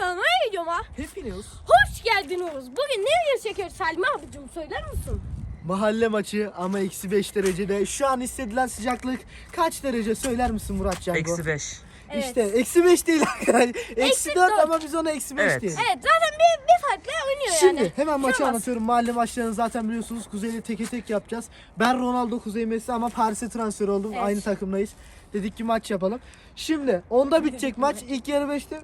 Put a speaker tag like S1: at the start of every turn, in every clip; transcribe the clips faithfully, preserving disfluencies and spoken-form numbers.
S1: kanalıma videoma
S2: Hepiniz
S1: hoş geldiniz. Bugün ne video çekiyoruz Salim abicim, söyler misin?
S2: mahalle maçı ama eksi beş derecede. Şu an hissedilen sıcaklık kaç derece söyler misin Murat Cango?
S3: Eksi beş.
S1: Evet.
S2: İşte eksi beş değil arkadaşlar. Eksi
S1: Eksi
S2: dört
S1: dört.
S2: ama biz ona eksi beş
S3: Evet.
S2: diyelim.
S1: Evet, zaten bir, bir farklı oynuyor
S2: Şimdi
S1: yani.
S2: hemen maçı
S1: Şuramaz.
S2: anlatıyorum. Mahalle maçlarını zaten biliyorsunuz. Kuzey'le teke tek yapacağız. Ben Ronaldo, Kuzey Messi ama Paris'e transfer oldum.
S1: Evet.
S2: Aynı takımdayız. Dedik ki maç yapalım. Şimdi onda bitecek maç. İlk yarı beşte.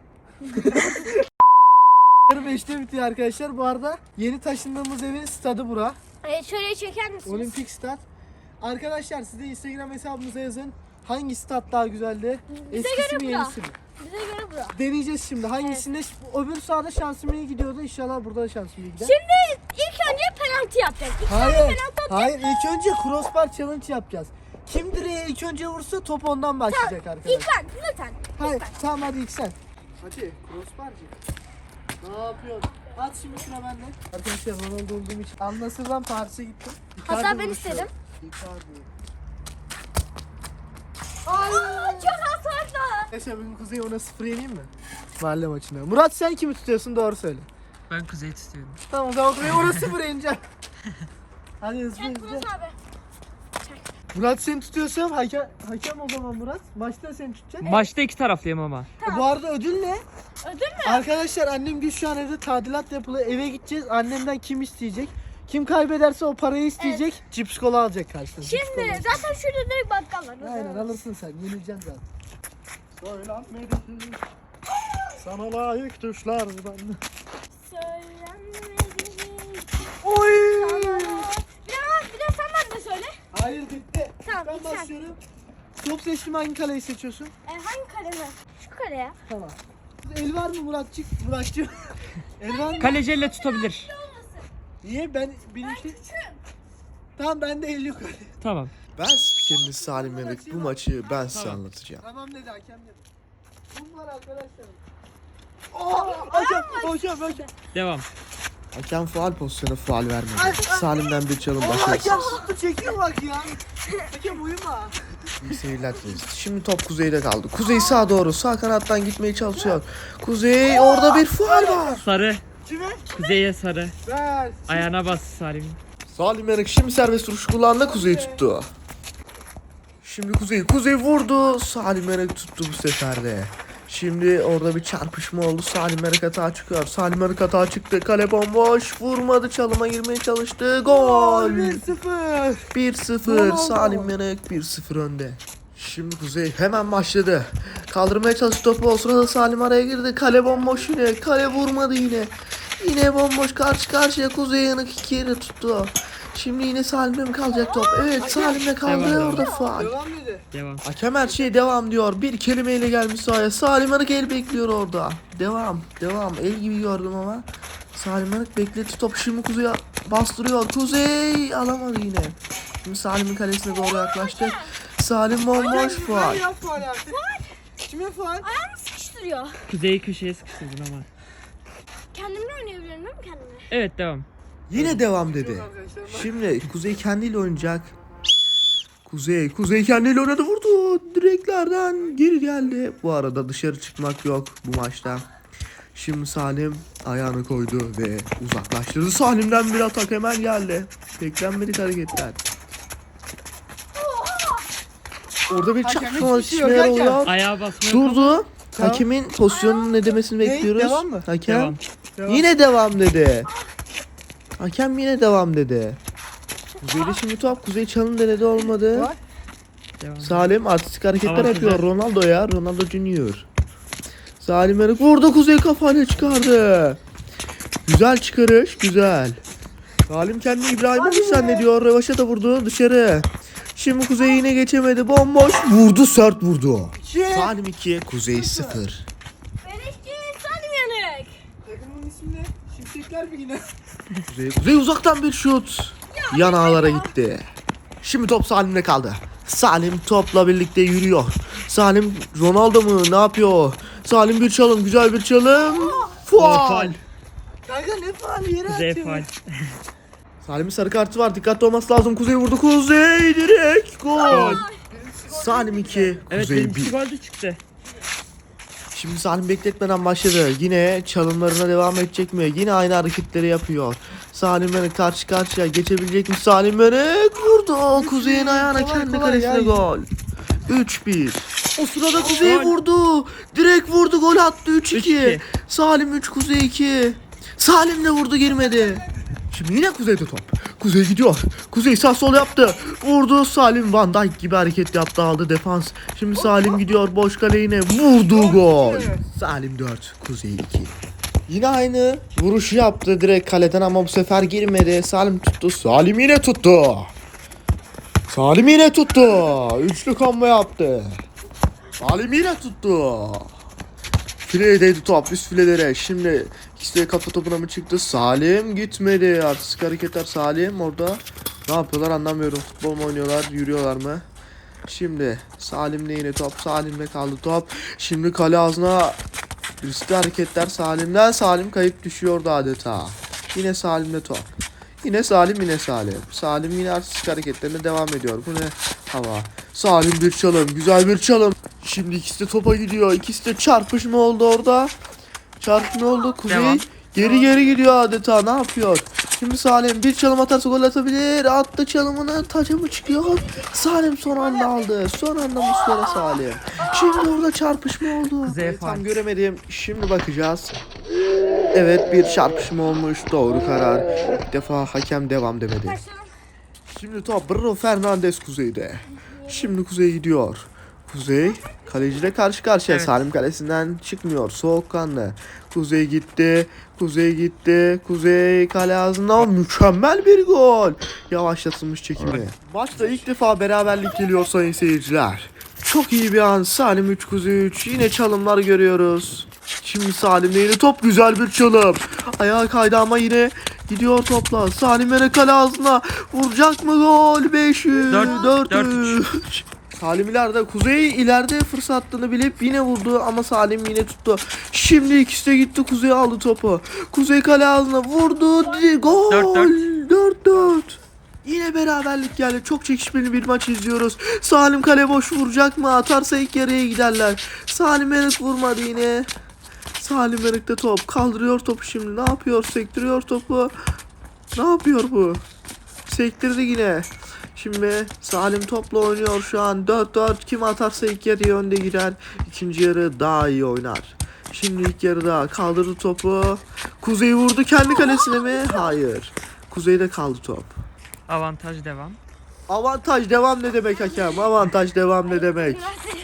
S2: yarı beşte bitiyor arkadaşlar. Bu arada yeni taşındığımız evin stadı bura.
S1: Evet, şöyle çeker misiniz?
S2: Olimpik stat. Arkadaşlar siz de Instagram hesabımıza yazın. Hangi stat daha güzeldi?
S1: Bize
S2: Eskisi
S1: göre
S2: mi
S1: bura.
S2: yenisi mi?
S1: Bize göre bura.
S2: Deneyeceğiz şimdi. Hangisinde? Öbür sahada şansım iyi gidiyordu. İnşallah burada da şansım iyi gider.
S1: Şimdi ilk önce penaltı yapacağız. İlk önce
S2: Hayır.
S1: penaltı atacağız.
S2: Hayır. İlk önce crossbar challenge yapacağız. Kim direğe ilk önce vursa top ondan başlayacak
S1: İlk
S2: arkadaşlar.
S1: ben, lütfen.
S2: Hayır. Tamam hadi ilk sen. Hadi crossbarcı. Ne yapıyorsun? At şimdi sıra bende. Arkadaşlar Ronaldo olduğum için Al-Nassr'dan Paris'e gittim.
S1: Hatta
S2: Icardi
S1: ben
S2: vuruşu.
S1: istedim.
S2: Icardi.
S1: Aa, çok hasarlı.
S2: Arkadaşlar bugün Kuzey ona sıfır yeneyim mi? Mahalle maçına. Murat sen kimi tutuyorsun, doğru söyle.
S3: Ben Kuzey'i tutuyorum.
S2: Tamam o zaman Kuzey ona sıfır yeneceğim. Hadi hızlı
S1: Evet,
S2: hızlı.
S1: Murat abi.
S2: Murat seni tutuyorsam hakem, hakem o zaman Murat. Maçta seni tutacak.
S3: Maçta iki taraflıyım ama.
S1: Tamam.
S2: Bu arada ödül ne?
S1: Ödül mü?
S2: Arkadaşlar annem gün şu an evde tadilat yapılı. Eve gideceğiz. Annemden kim isteyecek? Kim kaybederse o parayı isteyecek. Cips kola alacak karşısında. cips
S1: Şimdi
S2: kola.
S1: zaten şurada direkt bakkal var.
S2: Aynen alırsın sen. Yenileceksin zaten. Söylenmedi. Sana layık düşler ben.
S1: Söylenmedi.
S2: Oy!
S1: Biraz bir de sen bana da söyle.
S2: Hayır bitti.
S1: Tamam,
S2: Ben
S1: ilk sen.
S2: başlıyorum. Top seçtim, hangi kaleyi seçiyorsun?
S1: E, hangi kare mi? Şu kare ya.
S2: Tamam. El var mı Muratçık? Muratçık. El var mı?
S3: Kaleci elle tutabilir.
S2: Niye ben benimki? Tamam bende el yok.
S3: Tamam.
S4: Ben spikeriniz Salim Yanık. Bu maçı ben size
S3: Tamam.
S4: anlatacağım.
S2: Tamam dedi hakem dedi. Bunlar arkadaşlar. Oh, hakem, hakem, hakem.
S3: Devam.
S4: Hakem faal pozisyonu faal vermedi. Salim'den bir çalım
S2: Oh, hakem
S4: başarısız.
S2: tuttu çekiyor bak ya. Hakem uyuma.
S4: İyi seyirler dileriz. Şimdi top Kuzey'de kaldı. Kuzey sağa doğru, sağ kanattan gitmeye çalışıyor. Kuzey, orada bir faal var.
S3: Sarı.
S2: Kime?
S3: Kuzey'e sarı.
S2: Ver.
S3: Ayağına bas Salim.
S4: Salim Yanık şimdi serbest vuruş kullandı, Kuzey tuttu. Şimdi Kuzey, Kuzey vurdu. Salim Yanık tuttu bu sefer de. Şimdi orada bir çarpışma oldu. Salim Yanık hata çıkıyor. Salim Yanık hata çıktı. Kale bomboş. Vurmadı. Çalıma girmeye çalıştı. Gol.
S2: bir sıfır.
S4: bir sıfır.
S2: Ronaldo.
S4: Salim Yanık bir sıfır önde. Şimdi Kuzey hemen başladı. Kaldırmaya çalıştı topu. O sırada Salim araya girdi. Kale bomboş yine. Kale vurmadı yine. Yine bomboş, karşı karşıya. Kuzey Yanık iki yere tuttu. Şimdi yine Salim'de mi kalacak top? Evet, Salim'de kaldı.
S3: Devam,
S4: Orada faal.
S2: Devam dedi.
S3: Devam.
S4: Hakem her şey devam diyor. Bir kelimeyle gelmiş sahaya. Salim Yanık el bekliyor orada. Devam. Devam. El gibi gördüm ama. Salim Yanık bekletti topu. Şimdi Kuzey'e bastırıyor. Kuzey alamadı yine. Şimdi Salim'in kalesine doğru yaklaştık. Salim bomboş faal.
S2: Yap faal artık. Kime faal?
S1: Ayağımı sıkıştırıyor.
S3: Kuzey'i köşeye sıkıştırdın ama.
S1: Kendimle oynayabilirim değil mi kendimle?
S3: Evet devam.
S4: Yine devam dedi. Şimdi Kuzey kendiyle oynayacak. Kuzey, Kuzey kendiyle oynadı, vurdu. Direklerden geri geldi. Bu arada dışarı çıkmak yok bu maçta. Şimdi Salim ayağını koydu ve uzaklaştırdı. Salim'den bir atak hemen geldi. Beklenmedik hareketler. Orada bir
S2: Hakem
S4: çarpışma
S2: hiçbir şey yok,
S4: çizmeler
S2: hakem.
S4: oluyor.
S3: Ayağa basmıyor.
S4: Durdu.
S2: Tamam.
S4: Hakemin pozisyonunun ne demesini
S2: Ne?
S4: bekliyoruz.
S2: Devam mı?
S4: Hakem.
S3: Devam.
S2: Devam.
S4: Yine devam dedi. Hakem yine devam dedi. Kuzey'de şimdi top. Kuzey çalım denedi, olmadı.
S2: Var.
S3: Devam.
S4: Salim artistik hareketler
S3: Tamam,
S4: yapıyor.
S3: güzel.
S4: Ronaldo ya. Ronaldo Junior. Salim Yanık vurdu. Kuzey kafayla çıkardı. Güzel çıkarış. Güzel. Salim kendini İbrahimovic zannediyor. Rövaşa da vurdu dışarı. Şimdi Kuzey yine geçemedi. Bomboş. Vurdu, sert vurdu.
S2: İki.
S4: Salim iki. Kuzey sıfır.
S1: Beleşçi Salim Yanık.
S2: Takımın ismi ne? Şimşekler mi yine?
S4: Kuzey, Kuzey uzaktan bir şut. Yan ağlara gitti. Şimdi top Salim'de kaldı. Salim topla birlikte yürüyor. Salim Ronaldo mu? Ne yapıyor? Salim bir çalım. Güzel bir çalım.
S3: O
S4: Faul.
S3: faul.
S2: Kanka ne faali yere
S3: Kuzey
S2: atıyor.
S3: faul.
S4: Salim'in sarı kartı var. Dikkatli olması lazım. Kuzey vurdu. Kuzey direkt. Gol.
S3: Gol.
S4: Salim iki.
S3: Evet
S4: Kuzey
S3: benim iki
S4: bir.
S3: gol de çıktı.
S4: Şimdi Salim bekletmeden başladı. Yine çalımlarına devam edecek mi? Yine aynı hareketleri yapıyor. Salim Menek karşı karşıya geçebilecek mi? Salim Menek vurdu. Kuzey'in ayağına
S2: Kolay,
S4: kendi
S2: kolay
S4: kalesine
S2: ya.
S4: gol. üç bir. O sırada Kuzey vurdu. Direkt vurdu, gol attı. üç iki.
S3: iki.
S4: Salim üç, Kuzey iki. Salim de vurdu, girmedi. Şimdi yine Kuzey'de top. Kuzey gidiyor. Kuzey sağ sol yaptı. Vurdu. Salim Van Dijk gibi hareket yaptı, aldı defans. Şimdi Salim gidiyor boş kale, yine vurdu, gol. Salim dört, Kuzey iki. Yine aynı vuruşu yaptı direkt kaleden ama bu sefer girmedi. Salim tuttu. Salim yine tuttu. Salim yine tuttu. Üçlü combo yaptı. Salim yine tuttu. Fileye değdi top, üst filelere. Şimdi ikisi de kafa topuna mı çıktı? Salim gitmedi. Artistik hareketler. Salim orada ne yapıyorlar anlamıyorum. Futbol mu oynuyorlar, yürüyorlar mı? Şimdi Salim'le yine top. Salim'le kaldı top. Şimdi kale ağzına riskli hareketler Salim'den. Salim kayıp düşüyordu adeta. Yine Salim'le top. Yine Salim, yine Salim. Salim yine artistik hareketlerine devam ediyor. Bu ne hava? Salim bir çalım. Güzel bir çalım. Şimdi ikisi de topa gidiyor. İkisi de çarpışma oldu orada. Çarpışma oldu. Kuzey
S3: Devam.
S4: geri geri gidiyor adeta. Ne yapıyor? Şimdi Salim bir çalım atarsa gol atabilir. Attı çalımını. Taca mı çıkıyor? Salim son anda aldı. Son anda Muslera Salim. Şimdi orada çarpışma oldu.
S3: Kuzey'e
S4: Evet, tam
S3: fark.
S4: göremedim. Şimdi bakacağız. Evet, bir çarpışma olmuş. Doğru karar. İlk defa hakem devam demedi. Şimdi top Bruno Fernandes Kuzey'de. Şimdi Kuzey gidiyor. Kuzey kaleciyle karşı karşıya.
S3: Evet.
S4: Salim kalesinden çıkmıyor. Soğukkanlı. Kuzey gitti. Kuzey gitti. Kuzey kale ağzında, mükemmel bir gol. Yavaşlatılmış çekimi. Maçta ilk defa beraberlik geliyor sayın seyirciler. Çok iyi bir an. Salim üç, Kuzey üç. Yine çalımlar görüyoruz. Şimdi Salim'de yine top, güzel bir çalım. Ayağa kaydı ama yine gidiyor topla. Salim yine kale ağzına. Vuracak mı gol? beş üç.
S3: Dört-
S4: dört
S3: dört
S4: üç. Salim ileride. Kuzey ileride fırsattığını bilip yine vurdu ama Salim yine tuttu. Şimdi ikisi de gitti. Kuzey aldı topu. Kuzey kale ağzına vurdu. Di- Gol.
S3: Dört
S4: dört dört. Yine beraberlik geldi. Çok çekişmeli bir maç izliyoruz. Salim kale boş vuracak mı? Atarsa ilk yarıya giderler. Salim Melik vurmadı yine. Salim Melik'te top. Kaldırıyor topu şimdi. Ne yapıyor? Sektiriyor topu. Ne yapıyor bu? Sektirdi yine. Şimdi Salim topla oynuyor şu an. dört dört. Kim atarsa ilk yarıya önde girer. İkinci yarı daha iyi oynar. Şimdi ilk yarıda kaldırdı topu. Kuzey vurdu kendi kalesine mi? Hayır. Kuzey'de kaldı top.
S3: Avantaj devam.
S4: Avantaj devam ne demek hakem? Avantaj devam ne demek?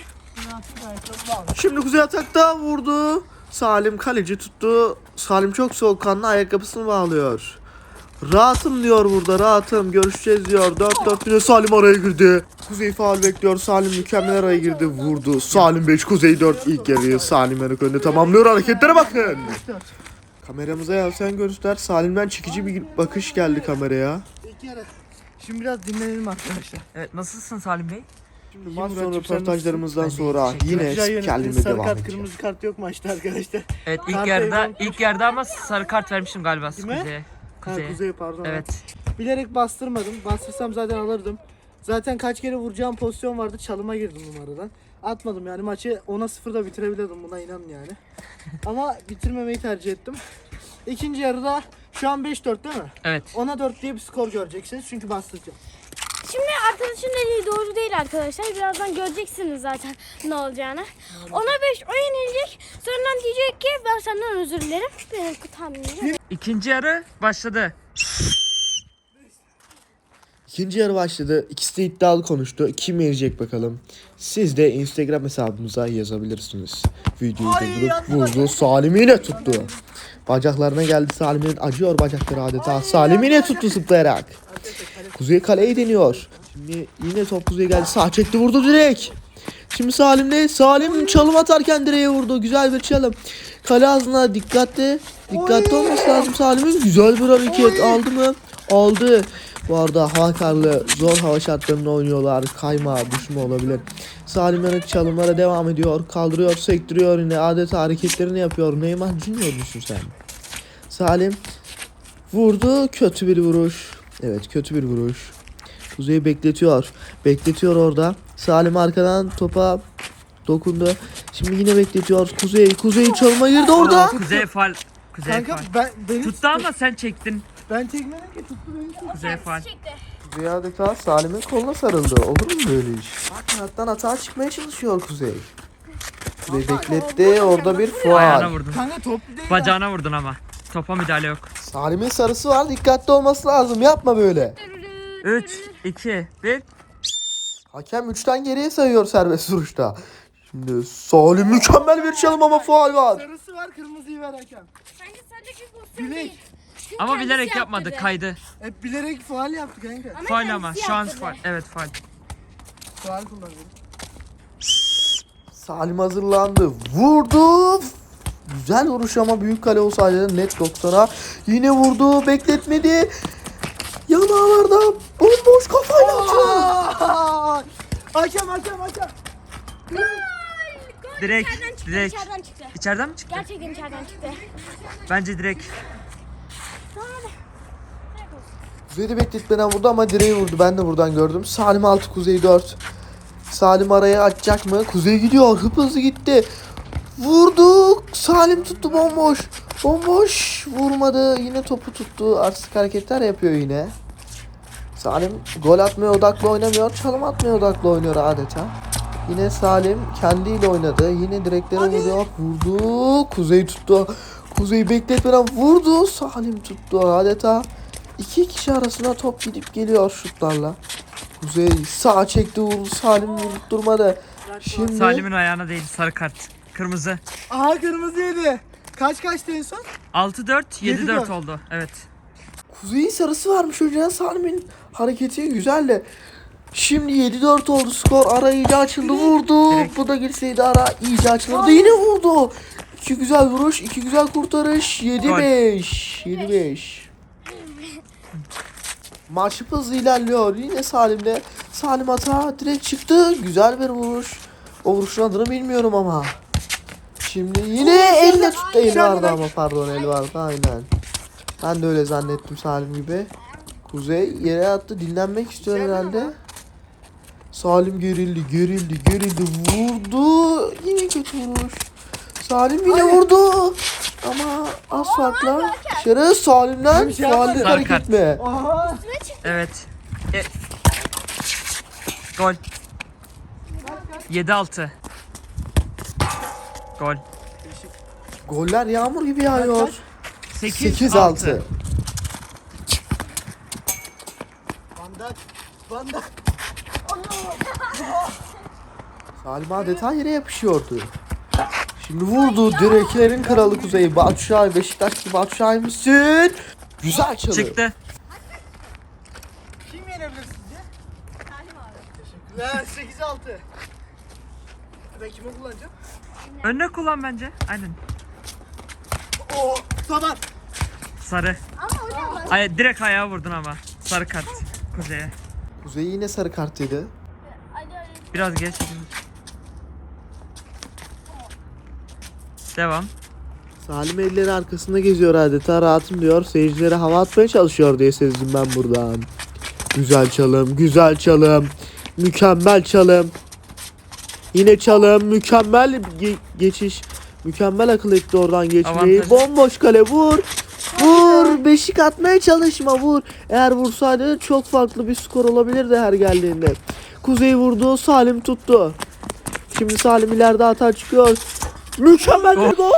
S4: Şimdi Kuzey atakta vurdu. Salim kaleci tuttu. Salim çok soğukkanlı, ayakkabısını bağlıyor. Rahatım diyor burada, rahatım. Görüşeceğiz diyor. dört dört yine Salim araya girdi. Kuzey faul bekliyor. Salim mükemmel araya girdi. Vurdu. Salim beş, Kuzey dört. İlk yarıyı Salim Menek önde tamamlıyor. Hareketlere bakın. Kameramıza yansıyan görüntüler. Salim'den çekici bir bakış geldi kameraya.
S2: İlk yarı. Şimdi biraz dinlenelim arkadaşlar.
S3: Evet, nasılsın Salim Bey?
S4: Şimdi maç
S2: Muratcığım,
S4: sonu
S2: sen
S4: röportajlarımızdan
S3: nasılsın?
S4: sonra
S3: Ben de
S4: yine
S2: Güzel yönettiniz.
S4: spikerliğime
S2: Sarı
S4: devam
S2: kart,
S4: edeceğim.
S2: kırmızı kart yok maçta arkadaşlar.
S3: Evet, ilk
S2: Kart
S3: yarıda
S2: eyvallah.
S3: ilk yarıda ama sarı kart vermiştim galiba
S2: Kime?
S3: Kuzey'e.
S2: Ha,
S3: Kuzey'e.
S2: Kuzey pardon.
S3: Evet.
S2: Bilerek bastırmadım. Bastırsam zaten alırdım. Zaten kaç kere vuracağım pozisyon vardı. Çalıma girdim numaradan. Atmadım yani, maçı ona sıfırda bitirebilirdim, buna inanın yani. Ama bitirmemeyi tercih ettim. İkinci yarıda şu an beş dört değil mi?
S3: Evet.
S2: ona dört diye bir skor göreceksiniz çünkü bastıracağım.
S1: Şimdi arkadaşın dediği doğru değil arkadaşlar. Birazdan göreceksiniz zaten ne olacağını. Ona beş o yenilecek. Sonradan diyecek ki ben senden özür dilerim. Benim tahminim.
S3: İkinci yarı başladı.
S4: İkinci yarı başladı. İkisi de iddialı konuştu. Kim yenecek bakalım. Siz de Instagram hesabımıza yazabilirsiniz. Videoyu durdurup vurdu. Salim yine tuttu. Bacaklarına geldi Salim'in. Acıyor bacakları adeta. Salim yine tuttu zıplayarak. Kuzey kaleyi deniyor. Şimdi yine top Kuzey'e geldi. Sağ çekti, vurdu direkt. Şimdi Salim'de. Salim çalım atarken direğe vurdu. Güzel bir çalım. Kale ağzına dikkatli. Dikkatli olması lazım Salim'in. Güzel bir hareket. Aldı mı? Aldı. Bu arada hava karlı, zor hava şartlarında oynuyorlar. Kayma, düşme olabilir. Salim Yanık çalımlara devam ediyor. Kaldırıyor, sektiriyor yine. Adeta hareketlerini yapıyor. Neymar Junior musun sen? Salim vurdu. Kötü bir vuruş. Evet, kötü bir vuruş. Kuzey'i bekletiyor. Bekletiyor orada. Salim arkadan topa dokundu. Şimdi yine bekletiyor. Kuzey, Kuzey çalıma girdi orada.
S3: Kuzey fal. Kuzey
S2: Kanka
S3: fal.
S2: ben beni
S3: Tuttu ama sen çektin.
S2: Ben çekmedim ki, tuttu beni. Tuttu.
S3: Kuzey fal.
S1: Çekti.
S4: Kuzey adeta Salim'in koluna sarıldı. Olur mu böyle iş? Bak kanattan atağa çıkmaya çalışıyor Kuzey. Kuzey bekletti. Orada bir
S3: Ayağına
S4: faul.
S3: vurdun.
S2: Kanka top değil.
S3: Bacağına vurdun ama. Topa müdahale yok.
S4: Salim'in sarısı var. Dikkatli olması lazım. Yapma böyle.
S3: üç, iki, bir.
S4: Hakem üçten geriye sayıyor serbest vuruşta. Şimdi Salim mükemmel bir çalım ama faul var.
S2: Sarısı var, kırmızıyı ver hakem.
S1: Sanki sadece pozisyon
S2: Bilek.
S1: değil. Çünkü
S3: Ama
S1: kendisi
S3: bilerek yapmadı.
S1: yaptırdı.
S3: Kaydı.
S2: Hep bilerek faal yaptı kanka.
S1: Ama
S3: Faul
S1: kendisi
S3: ama. Şu an
S1: yaptırdı.
S3: faul. Evet faul.
S2: Faal kullanıyorum.
S4: Salim hazırlandı. Vurdu. Güzel vuruş ama büyük kale olsaydı net doksana. Yine vurdu. Bekletmedi. Yanağlarda bomboş kafayla atıyor.
S2: Aa! Hakem hakem hakem.
S1: Gol, gol.
S3: Direkt,
S1: İçeriden çıktı,
S3: direkt.
S1: içeriden çıktı.
S3: İçeriden mi çıktı?
S1: Gerçekten içeriden çıktı.
S3: Bence direkt.
S1: Tamam hadi.
S4: Kuzey'i bekletmeden vurdu ama direği vurdu. Ben de buradan gördüm. Salim altı, Kuzey dört. Salim araya açacak mı? Kuzey gidiyor. Hıp hızlı gitti. Vurdu. Salim tuttu bomboş. Bomboş. Vurmadı. Yine topu tuttu. Artistik hareketler yapıyor yine. Salim gol atmaya odaklı oynamıyor. Çalım atmaya odaklı oynuyor adeta. Yine Salim kendiyle oynadı. Yine direklere vuruyor. Vurdu. Kuzey tuttu. Kuzey bekletmeden vurdu. Salim tuttu adeta. İki kişi arasına top gidip geliyor şutlarla. Kuzey sağ çekti vurdu. Salim vurdurmadı. Şimdi
S3: Salim'in ayağına değil. Sarı kart. Kırmızı.
S2: Aha kırmızı yedi. Kaç kaçtı en son?
S3: altı dört, yedi dört
S2: Yedi dört.
S3: oldu. Evet.
S4: Kuzey'in sarısı varmış önceden. Salim'in hareketi güzel de. Şimdi yedi dört oldu skor. Ara iyice açıldı. Vurdu.
S3: Direkt.
S4: Bu da girseydi ara iyice açılırdı. Yine vurdu. İki güzel vuruş. iki güzel kurtarış. yedi beş. yedi beş. Maç hızlı ilerliyor. Yine Salim'de. Salim hata direkt çıktı. Güzel bir vuruş. O vuruşun adını bilmiyorum ama. Şimdi yine elle tuttu. Eli vardı ama pardon eli vardı aynen. Ben de öyle zannettim Salim gibi. Kuzey yere attı. Dinlenmek istiyor herhalde. Salim gerildi, gerildi, gerildi. Vurdu. Yine kötü vuruş. Salim yine vurdu. Ama az farkla dışarı Salim'den
S2: Bir şey
S4: faallik
S2: yapmadı.
S4: hareket
S3: Sarı
S4: etme.
S2: Aha.
S3: Evet. E- Gol. yedi altı. Gol.
S4: Goller yağmur gibi yağıyor.
S3: sekiz
S4: sekiz
S3: altı.
S4: altı.
S2: Bandak. Bandak.
S4: Salim adeta yere yapışıyordu. Şimdi vurdu direklerin kralı Kuzey. Batu Şahin, Beşiktaşlı Batu Şahin misin? Güzel çalım.
S3: Çıktı.
S2: Kim yenebilir sizce? Salim abi. Teşekkürler. sekiz altı. Ben kimi kullanacağım?
S3: Önüne kullan bence. Aynen.
S2: Oo, tamam.
S3: Sarı.
S1: Ama hocam bak.
S3: Ay, direkt ayağa vurdun ama. Sarı kart. Kuzey'e.
S4: Kuzey yine sarı kart yedi.
S1: Hadi hadi.
S3: Biraz geç. Devam.
S4: Salim elleri arkasında geziyor adeta rahatım diyor. Seyircilere hava atmaya çalışıyor diye sezdim ben buradan. Güzel çalım, güzel çalım. Mükemmel çalım. Yine çalım, mükemmel ge- geçiş. Mükemmel akıl etti oradan geçmeyi.
S3: Avantajı.
S4: Bomboş kale vur. Vur. Beşik atmaya çalışma vur. Eğer vursaydı çok farklı bir skor olabilirdi her geldiğinde. Kuzey vurdu, Salim tuttu. Şimdi Salim ileride hata çıkıyor. Mükemmel bir
S3: Oh.
S4: gol.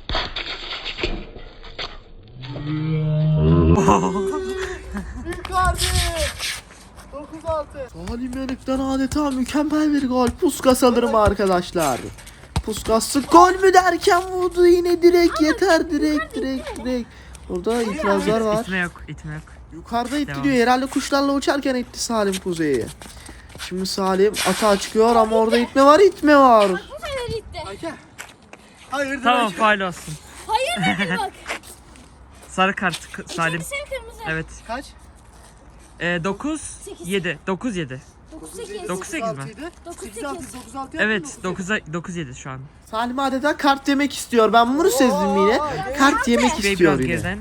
S2: Icardi. dokuz altı.
S4: Salim Yanık'tan adeta mükemmel bir gol. Puskas alırım arkadaşlar. Puskas gol mü derken vurdu yine direkt yeter direkt direkt direkt. Orada itirazlar var.
S3: İtme yok. İtme yok.
S4: Yukarıda itti
S3: Devam.
S4: diyor. Herhalde kuşlarla uçarken itti Salim Kuzey'i. Şimdi Salim atağa çıkıyor ama orada itme var itme var.
S1: Bu sefer gitti.
S2: Hakem. Hayırdır
S3: Tamam
S2: hakem?
S3: faul olsun.
S1: Hayır dedim bak.
S3: Sarı kart k- Salim.
S1: İkincisi kırmızı.
S3: Evet.
S2: Kaç?
S3: E, dokuz
S1: Sekiz.
S3: yedi. dokuz yedi.
S1: dokuz sekiz.
S3: Dokuz sekiz mi?
S1: Dokuz
S2: sekiz altı,
S1: sekiz.
S2: dokuz altı
S3: Evet dokuza dokuz yedi şu an.
S4: Salim adeta kart yemek istiyor. Ben bunu sezdim yine. Kart yemek
S3: Kuzey
S4: istiyor
S3: biraz
S4: yine.
S3: geriden.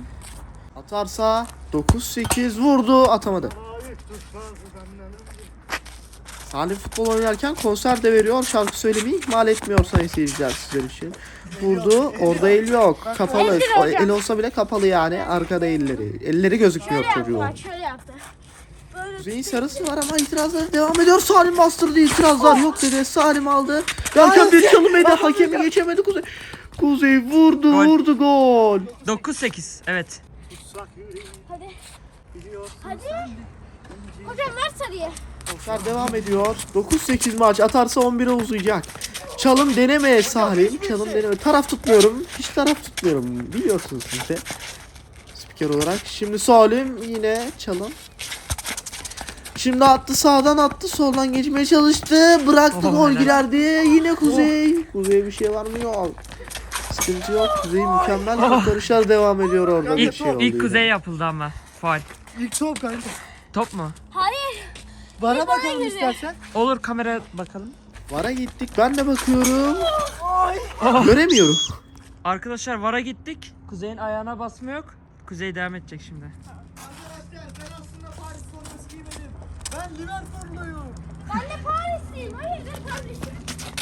S4: Atarsa dokuz sekiz vurdu atamadı. Salim futbol oynarken konser de veriyor. Şarkı söylemeyi ihmal etmiyor sayın seyirciler sizler için. Vurdu. Orada el yok. Kapalı.
S1: Eldir
S4: O
S1: hocam.
S4: el olsa bile kapalı yani. Arkada elleri. Elleri gözükmüyor
S1: Şöyle yaptı
S4: çocuğun.
S1: bak, şöyle yaptı. Böyle
S4: Kuzey'in sarısı var ama itirazlar devam ediyor. Salim bastırdı, itirazlar yok dedi. Salim aldı. Derken bir çalım yedi. Hakemi geçemedi Kuzey. Kuzey vurdu
S3: Gol.
S4: vurdu gol.
S3: dokuz sekiz. Evet.
S1: hadi. Hadi. Hocam ver sarıyı.
S4: Konser devam ediyor. dokuz sekiz maç atarsa on bire uzayacak. Çalım deneme Salim. Çalım deneme. Taraf tutmuyorum. Hiç taraf tutmuyorum. Biliyorsunuz siz de. Spiker olarak. Şimdi Salim yine çalım. Şimdi attı sağdan attı soldan geçmeye çalıştı. Bıraktı
S3: Oh,
S4: gol
S3: helal.
S4: girerdi. Yine Kuzey. Kuzey'e bir şey var mı? Yok. Sıkıntı yok. Kuzey mükemmel kurtarışlar devam ediyor orada. Bir
S3: İlk,
S4: şey oldu
S3: ilk
S4: yine.
S3: kuzey yapıldı ama. Faul.
S2: İlk top kanka.
S3: Top mu?
S1: Hayır.
S2: Bana bakalım
S1: girdi.
S2: istersen.
S3: Olur, kameraya bakalım.
S4: Vara gittik. Ben de bakıyorum. Göremiyorum.
S3: Arkadaşlar vara gittik. Kuzey'in ayağına basma yok. Kuzey devam edecek şimdi.
S2: Arkadaşlar ben aslında Paris forması giymedim. Ben Liverpool'luyum.
S1: Ben de Parisliyim. Hayır ben Parisliyim.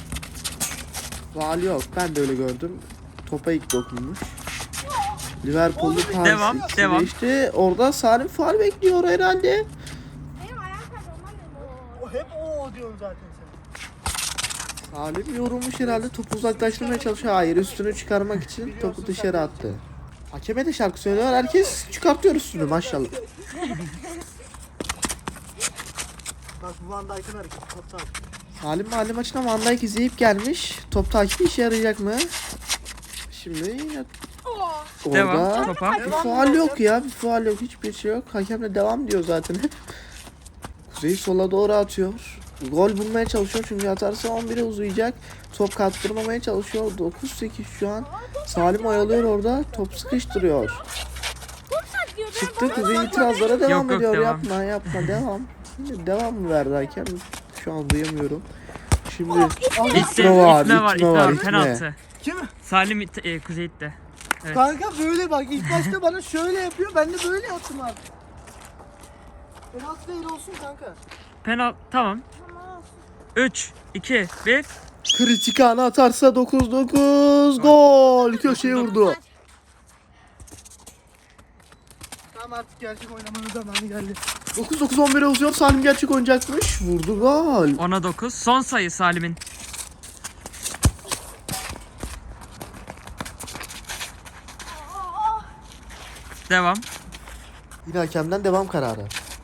S4: Faal yok. Ben de öyle gördüm. Topa ilk dokunmuş. Liverpool'lu Paris
S3: Devam,
S4: ikisi
S3: devam.
S4: geçti. Orada Salim faal bekliyor herhalde.
S1: Benim ayağım kaydı ondan dedim.
S2: O hep o diyorsun zaten sen.
S4: Salim yorulmuş herhalde. Topu uzaklaştırmaya çalışıyor. Hayır, üstünü çıkarmak için topu dışarı attı. Hakeme de şarkı söylüyor. Herkes çıkartıyor üstünü maşallah.
S2: Bak bu Van Dijk'ın hareketi. Top top.
S4: Salim mahalle maçına Van Dijk izleyip gelmiş. Top takibi işe yarayacak mı? Şimdi yine
S1: Oh.
S4: orada
S3: Devam, topa.
S4: bir faal yok ya. Bir faal yok. Hiçbir şey yok. Hakem de devam diyor zaten hep. Kuzey sola doğru atıyor. Gol bulmaya çalışıyor çünkü atarsa on bire uzayacak. Top kaptırmamaya çalışıyor. dokuz sekiz şu an. Salim oyalıyor orada. Top sıkıştırıyor.
S1: Çok saklıyor. Ben
S4: Çıktı Kuzey itirazlara devam
S3: Yok, yok,
S4: ediyor.
S3: devam.
S4: Yapma yapma devam. Şimdi devam mı verdi hakem? Şu an duyamıyorum. Şimdi
S3: İtme,
S4: itme var,
S3: itme var,
S4: itme
S3: itme
S4: var,
S3: var.
S4: itme.
S3: Penaltı.
S2: Kim?
S3: Salim it, e, Kuzey itti. Evet.
S2: Kanka böyle bak ilk başta bana şöyle yapıyor. Ben de böyle yaptım abi. Penaltı değil olsun kanka.
S3: Penaltı, tamam. üç, iki, bir.
S4: kritik anı atarsa dokuz dokuz gol. Köşeye vurdu.
S2: Tamam artık gerçek oynamanın zamanı geldi.
S4: dokuz dokuz on bire uzuyor. Salim gerçek oynayacakmış. Vurdu gol.
S3: ona dokuz. Son sayı Salim'in. Devam.
S4: Yine hakemden devam kararı.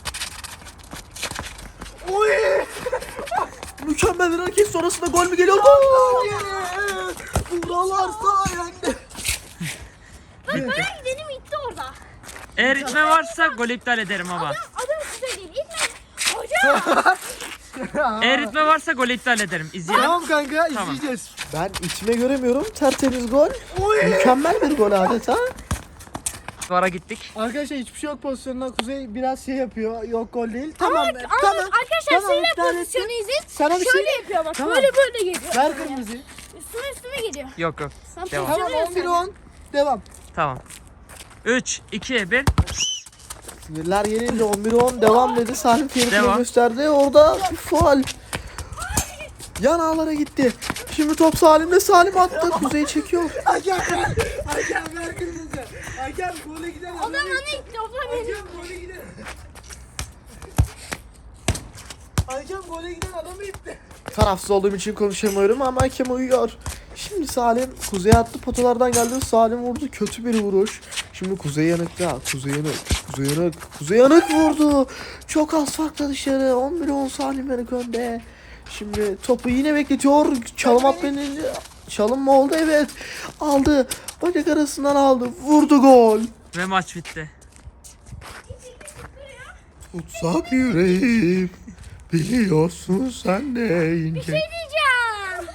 S2: Oy!
S4: Mükemmel bir hareket sonrasında gol mü geliyor? Gol!
S2: Buralar sayende.
S1: Bak ben benim itti orada.
S3: Eğer itme varsa gol iptal ederim ama.
S1: Adım size değil. İtme. Hocam.
S3: Eğer itme varsa gol iptal ederim. İzleyelim.
S2: Tamam kanka
S3: Tamam.
S2: izleyeceğiz.
S4: Ben içime göremiyorum. Tertemiz gol.
S2: Oy!
S4: Mükemmel bir gol adeta.
S3: Vara gittik.
S2: Arkadaşlar hiçbir şey yok pozisyonunda. Kuzey biraz şey yapıyor. Yok gol değil. Tamam.
S1: Ama
S2: tamam.
S1: arkadaşlar
S2: Tamam,
S1: siz de
S2: iptal
S1: pozisyonu izleyin.
S2: Sana bir şey
S1: Şöyle yapıyor bak.
S2: Tamam.
S1: Böyle böyle geliyor.
S2: ver kırmızıyı.
S1: Üstüme üstüme geliyor.
S3: Yok yok.
S1: Sen
S3: Devam.
S2: Tamam
S1: pozisyonu
S2: on bir
S1: yazsana.
S2: on. Devam.
S3: Tamam. üç, iki, bir.
S4: Sinirler yenince on bir on devam dedi. Salim fair play
S3: Devam.
S4: gösterdi. Orada bir faul. Yan ağlara gitti. Şimdi top Salim'de. Salim attı. Kuzey çekiyor.
S2: Hakem Hakem ver kırmızı. Hakem gole giden
S1: O da bana itti. O da benim.
S2: Hakem gole giden. Hakem gole giden adamı itti.
S4: Tarafsız olduğum için konuşamıyorum ama hakem uyuyor. Şimdi Salim Kuzey'e attı, potalardan geldi. Salim vurdu, kötü bir vuruş. Şimdi Kuzey yanık ya. Kuzey yanık. Kuzey yanık. Kuzey yanık vurdu. Çok az farkla dışarı. on bir on Salim yanık önde. Şimdi topu yine bekletiyor. Çalım atmanın çalım mı oldu? Evet. Aldı. Bacak arasından aldı. Vurdu gol.
S3: Ve maç bitti.
S4: Tutsak yüreğim. Biliyorsun sen de ince.
S1: Ne diyeceğim?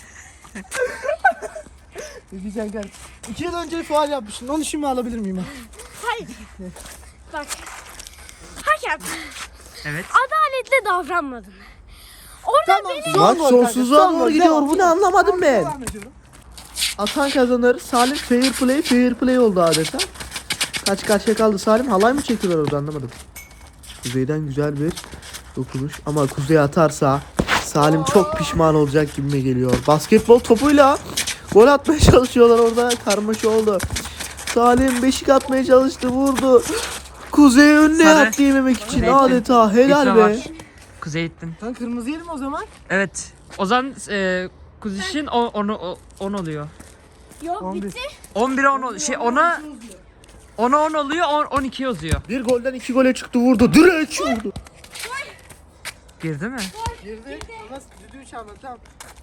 S2: Ne diyeceksin kanka? İki yıl önce faal yapmışsın. Onu şimdi alabilir miyim ben?
S1: Hayır. Bak. Hakem.
S3: Evet.
S1: Adaletle davranmadın. Orada
S2: Tamam.
S1: beni...
S2: Son
S4: Maç
S2: gol kanka,
S4: sonsuzluğa
S2: son
S4: doğru
S2: gol,
S4: gidiyor.
S2: devam.
S4: Bu ne anlamadım ben.
S2: Devam ediyorum.
S4: Atan kazanır. Salim fair play, fair play oldu adeta. Kaç karşıya kaldı Salim? Halay mı çektiler orada anlamadım. Kuzey'den güzel bir dokunuş. Ama Kuzey atarsa Salim çok pişman olacak gibime geliyor. Basketbol topuyla gol atmaya çalışıyorlar orada. Karmaşa oldu. Salim beşik atmaya çalıştı. Vurdu. Kuzey önüne
S3: Sarı.
S4: yattı yememek için.
S3: Kuzey
S4: Adeta helal
S3: Bitre
S4: be.
S3: var. Kuzey ittin.
S2: Sen kırmızı yedim o zaman.
S3: Evet. O zaman e, Kuzey'in on oluyor.
S1: Yok
S2: on bir.
S1: bitti.
S3: on bire on ol- şey ona ona on oluyor, on, on iki yazıyor.
S4: Bir golden iki gole çıktı vurdu. Direkt vurdu.
S3: Girdi mi?
S2: Girdi. Ama düdüğü çaldı tamam.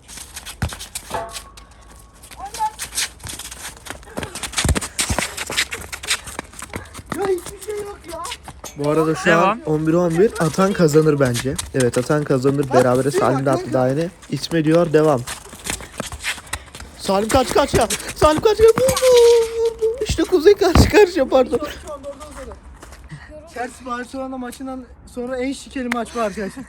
S2: Ya hiçbir şey yok ya.
S4: Bu arada şu
S3: Devam.
S4: an on bir on bir atan kazanır bence. Evet atan kazanır. Berabere Salim de attı daha yeni. İsme diyor devam. Salim kaç kaç ya. Salim kaç ya. Vurdu. Vurdu. İşte Kuzey karşı karşıya pardon.
S2: Şu anda orada orada. Chelsea Barcelona maçından sonra en şikeli maç bu arkadaşlar.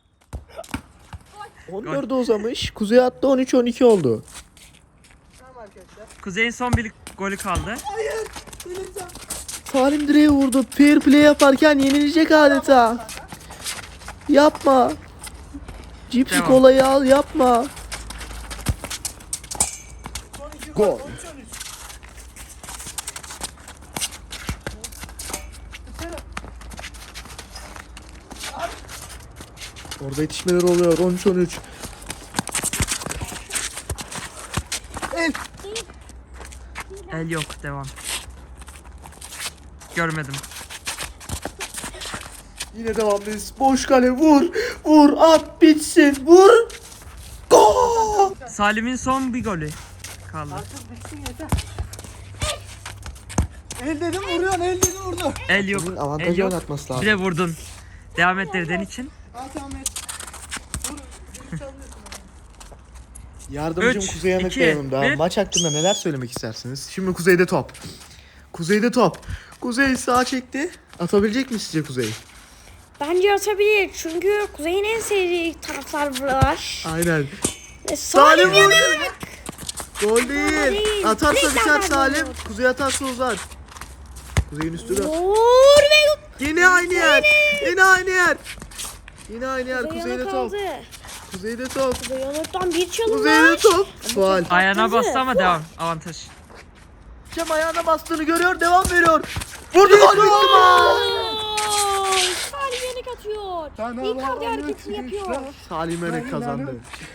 S4: on dörde uzamış. Kuzey attı on üç on iki oldu.
S2: Tamam arkadaşlar.
S3: Kuzey'in son bir golü kaldı.
S4: Salim direğe vurdu. Fair play yaparken yenilecek adeta. Yapma. Cipsi
S3: Devam.
S4: kolayı al yapma.
S2: Son iki
S4: Gol.
S2: gol. on üç on üç.
S4: Orada yetişmeler oluyor. on üç on üç.
S2: El.
S3: El yok, devam. Görmedim.
S4: Yine devamlıyız. Boş kale vur. Vur at bitsin. Vur. Gol.
S3: Salim'in son bir golü kaldı.
S2: Artık bitsin yeter. El dedim vuruyorsun, el dedim vurdu.
S3: El yok.
S4: Bunun
S3: El
S4: avantajı
S3: yok.
S4: oynatması
S3: Bir
S4: lazım.
S3: de vurdun. Devam et dediğin için.
S2: Al tamam et. Vur. Düdük çalıyorsun.
S4: Yardımcım
S3: Üç,
S4: Kuzey Yanık
S3: iki,
S4: da yanımda.
S3: bir.
S4: Maç hakkında neler söylemek istersiniz? Şimdi Kuzey'de top. Kuzey'de top. Kuzey sağa çekti. Atabilecek mi sizce Kuzey?
S1: Bence atabilir çünkü Kuzey'in en sevdiği taraflar var.
S4: Aynen.
S1: Ve
S4: Salim
S1: Salim
S4: vurdu.
S1: yanıyor.
S4: Gol değil.
S1: değil.
S4: Atarsa
S1: Direkt
S4: biter
S1: atar
S4: Salim.
S1: gol.
S4: Kuzey atarsa uzar. Kuzey'in üstü de.
S1: Vur ve
S4: Yine aynı yer. Yine aynı yer. Yine aynı yer.
S1: Kuzey
S4: Kuzey'de
S1: yana
S4: top.
S1: kaldı.
S4: Kuzey'de top.
S1: Kuzey yanıktan bir çalım
S4: Kuzey'de
S1: var.
S4: top. Faal.
S3: Ayağına
S1: Attı.
S3: bastı ama devam. Avantaj.
S4: Cem ayağına bastığını görüyor. Devam veriyor. Vurdu gol bitti maç.
S1: Gol! Salim yanık atıyor.
S2: Sana
S1: Icardi
S2: lanet
S1: hareketini yapıyor.
S2: işler.
S4: Salim Enek kazandı.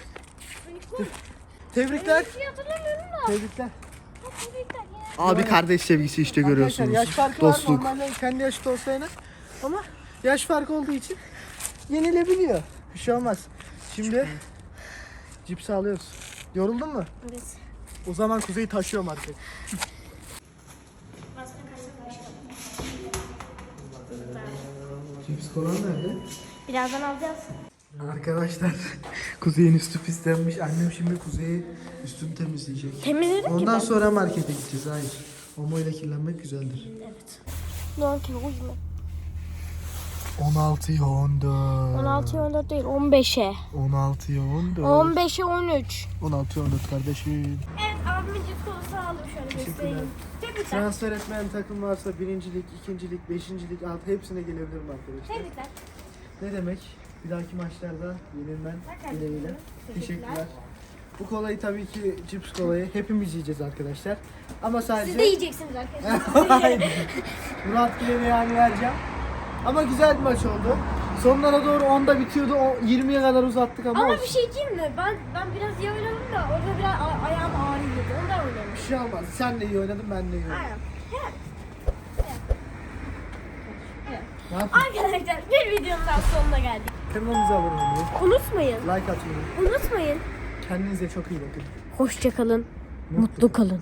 S2: Tebrikler.
S1: Bir şey hatırlamıyorum da.
S2: Tebrikler.
S1: Tebrikler ya.
S4: Abi kardeş sevgisi işte
S2: Arkadaşlar
S4: görüyorsunuz.
S2: yaş farkı
S4: Dostluk.
S2: var. Normalde kendi yaşıt olsa yine. Ama yaş farkı olduğu için yenilebiliyor. Bir şey olmaz. Şimdi cipsi alıyoruz. Yoruldun mu?
S1: Evet.
S2: O zaman Kuzey'i taşıyorum artık. Cips kolan nerede?
S1: Birazdan alacağız.
S2: Arkadaşlar Kuzey'in üstü pislenmiş. Annem şimdi Kuzey'i üstünü temizleyecek.
S1: Temizledik ki
S2: Ondan
S1: ben.
S2: sonra markete gideceğiz. Hayır. Omo ile kirlenmek güzeldir.
S1: Ne oldu ki? Uyuma.
S2: on altıya on dört.
S1: on altıya on dört değil on beşe.
S2: on altıya on dört.
S1: on beşe on üç.
S2: on altıya on dört kardeşim.
S1: Evet abimin cips kolası aldım şöyle göstereyim. Tebrikler.
S2: Transfer etmeyen takım varsa birincilik, ikincilik, beşincilik, alt hepsine gelebilirim arkadaşlar.
S1: Tebrikler.
S2: Ne demek? Bir dahaki maçlarda yenilmen dileğiyle. Teşekkürler. Bu kolayı tabii ki cips kolayı hepimiz yiyeceğiz arkadaşlar. Ama sadece
S1: Siz de yiyeceksiniz arkadaşlar.
S2: Hayır. Murat Gülen'e yani vereceğim. Ama güzel bir maç oldu. Sonlara doğru onda bitiyordu. O yirmiye kadar uzattık ama,
S1: Ama
S2: olsun.
S1: bir şey diyeyim mi? Ben ben biraz iyi oynadım da orada biraz a- ayağım ağrıyordu. Ondan oynamış.
S2: Bir şey olmaz. Sen de iyi oynadın, ben de iyi oynadım.
S1: Aynen.
S2: Ne yapayım?
S1: Arkadaşlar bir videonun daha sonuna geldik.
S2: Kanalımıza abone olmayı,
S1: Unutmayın.
S2: like atmayı.
S1: Unutmayın.
S2: Kendinize çok iyi bakın.
S1: Hoşça kalın. Mutlu kalın.